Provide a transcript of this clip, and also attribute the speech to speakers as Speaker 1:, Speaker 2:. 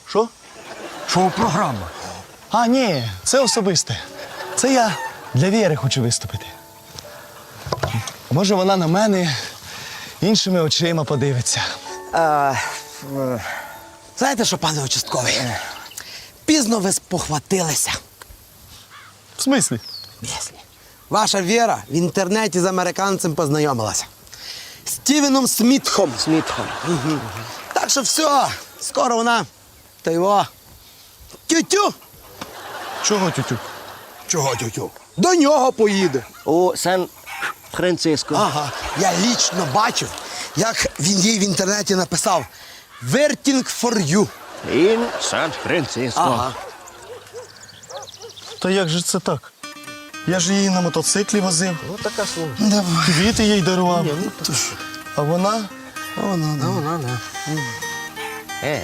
Speaker 1: Що?
Speaker 2: Шоу-програма.
Speaker 1: А, ні, це особисте. Це я для Віри хочу виступити. Може, вона на мене іншими очима подивиться.
Speaker 3: Знаєте що, пане участковий? Пізно ви спохватилися.
Speaker 1: В смислі?
Speaker 3: Мислі. Ваша Віра в інтернеті з американцем познайомилася. Стівеном Смітхом. Угу. Так що все, скоро вона та його тю-тю.
Speaker 1: Чого тютю?
Speaker 3: Чого тю-тю? До нього поїде.
Speaker 2: У Сан-Франциско.
Speaker 3: Ага, я лічно бачив, як він їй в інтернеті написав «Waiting for you».
Speaker 2: Ін Сан-Франциско.
Speaker 3: Ага.
Speaker 1: Та як же це так? Я ж її на мотоциклі возив,
Speaker 2: Ну, така слуга.
Speaker 3: Давай.
Speaker 1: квіти їй дарував. А вона
Speaker 3: Вона, да.